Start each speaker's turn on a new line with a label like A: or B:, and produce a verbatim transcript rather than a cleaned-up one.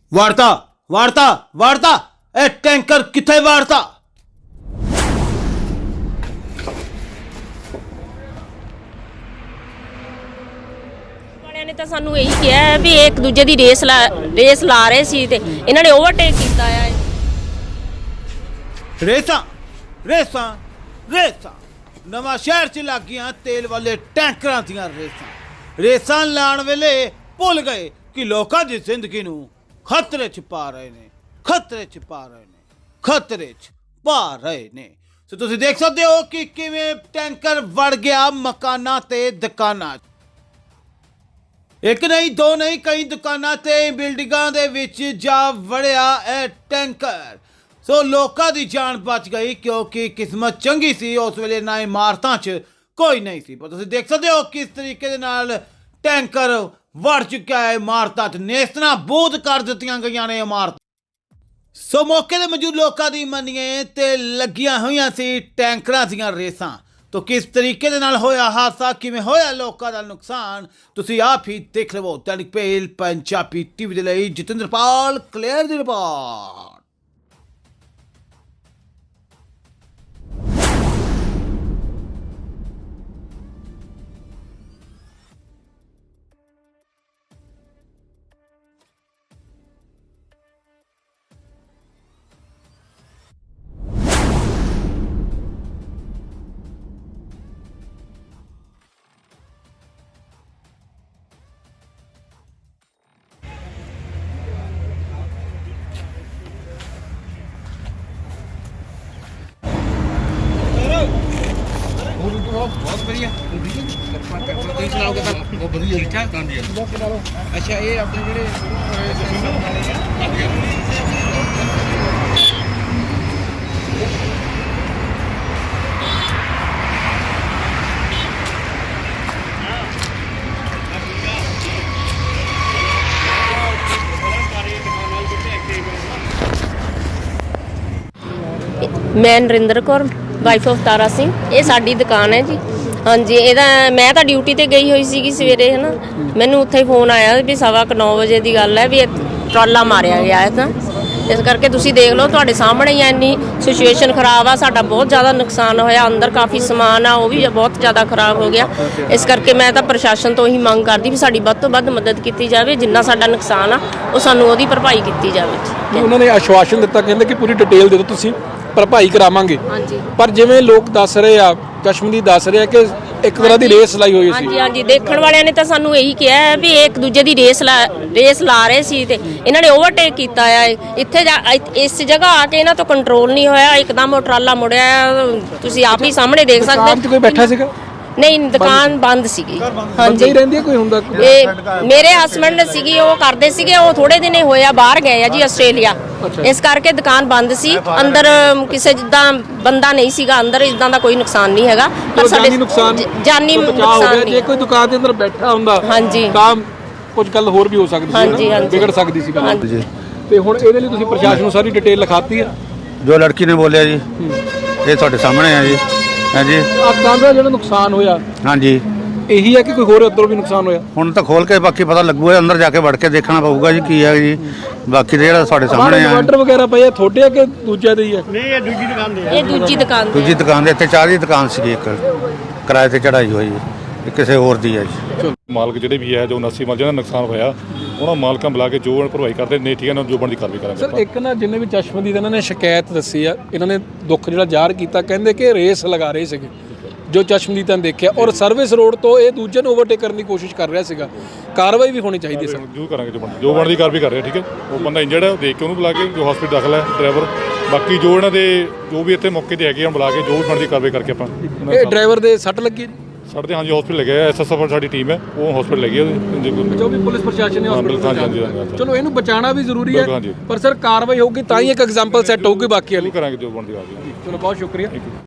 A: वार्ता वार्ता वार्ता ए टैंकर किथे वार्ता।
B: ਵਾਲਿਆਂ ਨੇ ਤਾਂ ਸਾਨੂੰ ਇਹੀ ਕਿਹਾ ਹੈ ਵੀ ਇੱਕ ਦੂਜੇ ਦੀ ਰੇਸ ਲਾ ਰੇਸ ਲਾ ਰਹੇ ਸੀ ਤੇ ਇਹਨਾਂ ਨੇ ਓਵਰਟੇਕ ਕੀਤਾ ਆ।
A: रेसा रेसा रेसा नवा शहर च लग गया तेल वाले टैंकर दियां रेसा रेसा लाण वेले भुल गए कि लोकां दी जिंदगी नूं खतरे च पा रहे ने खतरे च पा रहे ने खतरे च पा रहे ने। सो तुसीं देख सकदे हो कि किवें टैंकर वड़ गया मकानां ते दुकानां। एक नहीं दो नहीं कई दुकानां ते बिल्डिंगां दे विच जा वड़िया ए टैंकर। सो लोकां दी जान बच गई क्योंकि किस्मत चंगी सी उस वेले ना इमारतां च कोई नहीं सी। पर तुसीं देख सकदे हो किस तरीके दे नाल टैंकर वड़ चुका है इमारतां च, नेस्तनां बूद कर दित्तियां गईयां ने इमारत। सो मौके ते मौजूद लोकां दी मन्निए ते लगियां होईयां सी टैंकरां दीयां रेसां। तो किस तरीके दे नाल होया हादसा, किवें होया लोकां दा नुकसान, तुसीं आप ही देख लवो। दैनिक पेल पंजाबी टीवी दे लई जतिंदर पाल क्लियर दी रिपोर्ट।
C: बहुत बढ़िया ठीक ठाक। अच्छा ये अपने ਜਿਹੜੇ
B: ਮੈਂ ਨਰਿੰਦਰ ਕੌਰ ਵਾਈਫ ਆਫ ਤਾਰਾ ਸਿੰਘ। ਇਹ ਸਾਡੀ ਦੁਕਾਨ ਹੈ ਜੀ। ਹਾਂਜੀ, ਇਹਦਾ ਮੈਂ ਤਾਂ ਡਿਊਟੀ ਤੇ ਗਈ ਹੋਈ ਸੀਗੀ ਸਵੇਰੇ, ਹੈ ਨਾ। ਮੈਨੂੰ ਉੱਥੇ ਫੋਨ ਆਇਆ ਵੀ ਸਵਾ ਕੁ ਨੌ ਵਜੇ ਦੀ ਗੱਲ ਹੈ ਵੀ ਟਰਾਲਾ ਮਾਰਿਆ ਗਿਆ ਹੈ। ਤਾਂ ਇਸ ਕਰਕੇ ਤੁਸੀਂ ਦੇਖ ਲਓ, ਤੁਹਾਡੇ ਸਾਹਮਣੇ ਹੀ ਇੰਨੀ ਸਿਚੁਏਸ਼ਨ ਖਰਾਬ ਆ। ਸਾਡਾ ਬਹੁਤ ਜ਼ਿਆਦਾ ਨੁਕਸਾਨ ਹੋਇਆ, ਅੰਦਰ ਕਾਫੀ ਸਮਾਨ ਆ ਉਹ ਵੀ ਬਹੁਤ ਜ਼ਿਆਦਾ ਖਰਾਬ ਹੋ ਗਿਆ। ਇਸ ਕਰਕੇ ਮੈਂ ਤਾਂ ਪ੍ਰਸ਼ਾਸਨ ਤੋਂ ਹੀ ਮੰਗ ਕਰਦੀ ਵੀ ਸਾਡੀ ਵੱਧ ਤੋਂ ਵੱਧ ਮਦਦ ਕੀਤੀ ਜਾਵੇ। ਜਿੰਨਾ ਸਾਡਾ ਨੁਕਸਾਨ ਆ ਉਹ ਸਾਨੂੰ ਉਹਦੀ ਭਰਪਾਈ ਕੀਤੀ ਜਾਵੇ।
D: ਉਹਨਾਂ ਨੇ ਆਸ਼ਵਾਸਨ ਦਿੱਤਾ, ਕਹਿੰਦੇ ਕਿ ਪੂਰੀ ਡਿਟੇਲ ਦੇ ਦਿਓ, ਤੁਸੀਂ ਭਰਪਾਈ ਕਰਾਵਾਂਗੇ।
B: ਹਾਂਜੀ,
D: ਪਰ ਜਿਵੇਂ ਲੋਕ ਦੱਸ ਰਹੇ ਆ, ਚਸ਼ਮਦੀਦ ਦੱਸ ਰਹੇ ਆ ਕਿ ਇੱਕ ਤਰ੍ਹਾਂ ਦੀ ਰੇਸ ਲਾਈ ਹੋਈ ਸੀ।
B: ਹਾਂਜੀ ਹਾਂਜੀ, ਦੇਖਣ ਵਾਲਿਆਂ ਨੇ ਤਾਂ ਸਾਨੂੰ ਇਹੀ ਕਿਹਾ ਹੈ ਵੀ ਇੱਕ ਦੂਜੇ ਦੀ ਰੇਸ ਲਾ ਰੇਸ ਲਾ ਰਹੇ ਸੀ ਤੇ ਇਹਨਾਂ ਨੇ ਓਵਰਟੇਕ ਕੀਤਾ ਆ। ਇੱਥੇ ਇਸ ਜਗ੍ਹਾ ਆ ਕੇ ਇਹਨਾਂ ਤੋਂ ਕੰਟਰੋਲ ਨਹੀਂ ਹੋਇਆ, ਇੱਕਦਮ ਉਹ ਟਰਾਲਾ ਮੁੜਿਆ। ਤੁਸੀਂ ਆਪ ਹੀ ਸਾਹਮਣੇ ਦੇਖ ਸਕਦੇ
D: ਦੁਕਾਨ 'ਚ ਕੋਈ ਬੈਠਾ ਸੀਗਾ?
B: ਨਹੀਂ, ਦੁਕਾਨ ਬੰਦ ਸੀਗੀ।
D: ਹਾਂਜੀ, ਹੀ ਰਹਿੰਦੀ ਹੈ ਕੋਈ ਹੁੰਦਾ?
B: ਇਹ ਮੇਰੇ ਹਸਬੰਡ ਸੀਗੀ, ਉਹ ਕਰਦੇ ਸੀਗੇ। ਉਹ ਥੋੜੇ ਦਿਨੇ ਹੋਇਆ ਬਾਹਰ ਗਏ ਆ ਜੀ ਆਸਟ੍ਰੇਲੀਆ, ਇਸ ਕਰਕੇ ਦੁਕਾਨ ਬੰਦ ਸੀ। ਅੰਦਰ ਕਿਸੇ ਜਿੱਦਾਂ ਬੰਦਾ ਨਹੀਂ ਸੀਗਾ ਅੰਦਰ, ਇਦਾਂ ਦਾ ਕੋਈ ਨੁਕਸਾਨ ਨਹੀਂ ਹੈਗਾ।
D: ਪਰ ਜਾਨੀ ਨੁਕਸਾਨ
B: ਜਾਨੀ ਨੁਕਸਾਨ ਨਹੀਂ।
D: ਜੇ ਕੋਈ ਦੁਕਾਨ ਦੇ ਅੰਦਰ ਬੈਠਾ ਹੁੰਦਾ
B: ਹਾਂਜੀ
D: ਤਾਂ ਕੁਝ ਗੱਲ ਹੋਰ ਵੀ ਹੋ ਸਕਦੀ ਸੀ, ਵਿਗੜ ਸਕਦੀ ਸੀ ਗੱਲ। ਤੇ ਹੁਣ ਇਹਦੇ ਲਈ ਤੁਸੀਂ ਪ੍ਰਸ਼ਾਸਨ ਨੂੰ ਸਾਰੀ ਡਿਟੇਲ ਲਿਖਾਤੀ ਹੈ?
E: ਜੋ ਲੜਕੀ ਨੇ ਬੋਲਿਆ ਜੀ ਇਹ ਤੁਹਾਡੇ ਸਾਹਮਣੇ ਹੈ ਜੀ। ਹਾਂਜੀ,
D: ਆ ਕੰਧ ਦਾ ਜਿਹੜਾ ਨੁਕਸਾਨ ਹੋਇਆ
E: ਹਾਂਜੀ
D: ਇਹੀ ਹੈ ਕਿ ਕੋਈ ਹੋਰ ਉੱਧਰੋਂ ਵੀ ਨੁਕਸਾਨ ਹੋਇਆ?
E: ਹੁਣ ਤਾਂ ਖੋਲ ਕੇ ਬਾਕੀ ਪਤਾ ਲੱਗੂਗਾ, ਅੰਦਰ ਜਾ ਕੇ ਵੜ ਕੇ ਦੇਖਣਾ ਪਊਗਾ ਜੀ ਕੀ ਹੈ ਜੀ। ਬਾਕੀ ਤਾਂ ਜਿਹੜਾ ਸਾਡੇ ਸਾਹਮਣੇ ਆ
D: ਇਨਵਰਟਰ ਵਗੈਰਾ ਪਏ ਆ ਤੁਹਾਡੇ ਆ ਕਿ ਦੂਜਿਆਂ ਦੇ ਹੀ ਆ?
B: ਇਹ ਦੂਜੀ ਦੁਕਾਨ ਤੇ
E: ਦੂਜੀ ਦੁਕਾਨ ਦੇ ਇੱਥੇ ਚਾਹ ਦੀ ਦੁਕਾਨ ਸੀਗੀ, ਇੱਕ ਕਿਰਾਏ ਤੇ ਚੜਾਈ ਹੋਈ ਇਹ ਕਿਸੇ ਹੋਰ ਦੀ ਹੈ ਜੀ।
F: ਮਾਲਕ ਜਿਹੜੇ ਵੀ ਹੈ ਜੋ ਉਨਾਸੀ ਮਾਲ ਜਿਹਨਾਂ ਨੁਕਸਾਨ ਹੋਇਆ ਉਹਨਾਂ ਮਾਲਕਾਂ ਬੁਲਾ ਕੇ ਜੋ ਭਰਵਾਈ ਕਰਦੇ ਨੇ, ਠੀਕ ਹੈ ਨਾ, ਜੋ ਬਣਦੀ ਕਾਰਵਾਈ ਕਰਾਂਗੇ।
D: ਸਰ ਇੱਕ ਨਾ ਜਿੰਨੇ ਵੀ ਚਸ਼ਮਦੀਦ ਇਹਨਾਂ ਨੇ ਸ਼ਿਕਾਇਤ ਦੱਸੀ ਆ, ਇਹਨਾਂ ਨੇ ਦੁੱਖ ਜਿਹੜਾ ਜ਼ਾਹਰ ਕੀਤਾ, ਕਹਿੰਦੇ ਕਿ ਰੇਸ ਲਗਾ ਰਹੇ ਸੀਗੇ ਜੋ ਚਸ਼ਮਦੀਦਾਂ ਨੇ ਦੇਖਿਆ, ਔਰ ਸਰਵਿਸ ਰੋਡ ਤੋਂ ਇਹ ਦੂਜੇ ਨੂੰ ਓਵਰਟੇਕ ਕਰਨ ਦੀ ਕੋਸ਼ਿਸ਼ ਕਰ ਰਿਹਾ ਸੀਗਾ। ਕਾਰਵਾਈ ਵੀ ਹੋਣੀ ਚਾਹੀਦੀ ਸਰ।
F: ਜੋ ਕਰਾਂਗੇ, ਜੋ ਬਣਦੀ ਜੋ ਬਣਦੀ ਕਾਰਵਾਈ ਕਰ ਰਹੇ, ਠੀਕ ਹੈ। ਉਹ ਬੰਦਾ ਇੰਜਰਡ ਹੈ, ਉਹ ਦੇਖ ਕੇ ਉਹਨੂੰ ਬੁਲਾ ਕੇ ਜੋ ਹਸਪੀਟਲ ਦਾਖਲ ਹੈ ਡਰਾਈਵਰ, ਬਾਕੀ ਜੋ ਇਹਨਾਂ ਦੇ ਜੋ ਵੀ ਇੱਥੇ ਮੌਕੇ ਤੇ ਹੈਗੇ ਆ ਬੁਲਾ ਕੇ ਜੋ ਵੀ ਬਣਦੀ ਕਾਰਵਾਈ ਕਰਕੇ ਆਪਾਂ।
D: ਇਹ ਡਰਾਈਵਰ ਦੇ ਸੱਟ ਲੱਗੀ?
F: ਸਾਡੇ ਤੇ ਹਾਂਜੀ ਹਸਪੀਟਲ ਲੱਗੇ, ਐਸ ਐਸ ਐਫ ਸਾਡੀ ਟੀਮ ਹੈ, ਉਹ ਹਸਪੀਟਲ ਲੱਗੀ ਉਹਦੇ
D: ਜੋ ਵੀ ਪੁਲਿਸ ਪ੍ਰਸ਼ਾਸਨ ਨੇ ਹਸਪੀਟਲ। ਚਲੋ ਇਹਨੂੰ ਬਚਾਉਣਾ ਵੀ ਜ਼ਰੂਰੀ ਹੈ, ਪਰ ਸਰ ਕਾਰਵਾਈ ਹੋਊਗੀ ਤਾਂ ਹੀ ਇੱਕ ਐਗਜ਼ਾਮਪਲ ਸੈੱਟ ਹੋਊਗੀ ਬਾਕੀ ਵਾਲੀ।
F: ਕਰਾਂਗੇ ਜੋ ਬਣਦੀ ਕਾਰਵਾਈ।
D: ਚਲੋ ਬਹੁਤ ਸ਼ੁਕਰੀਆ।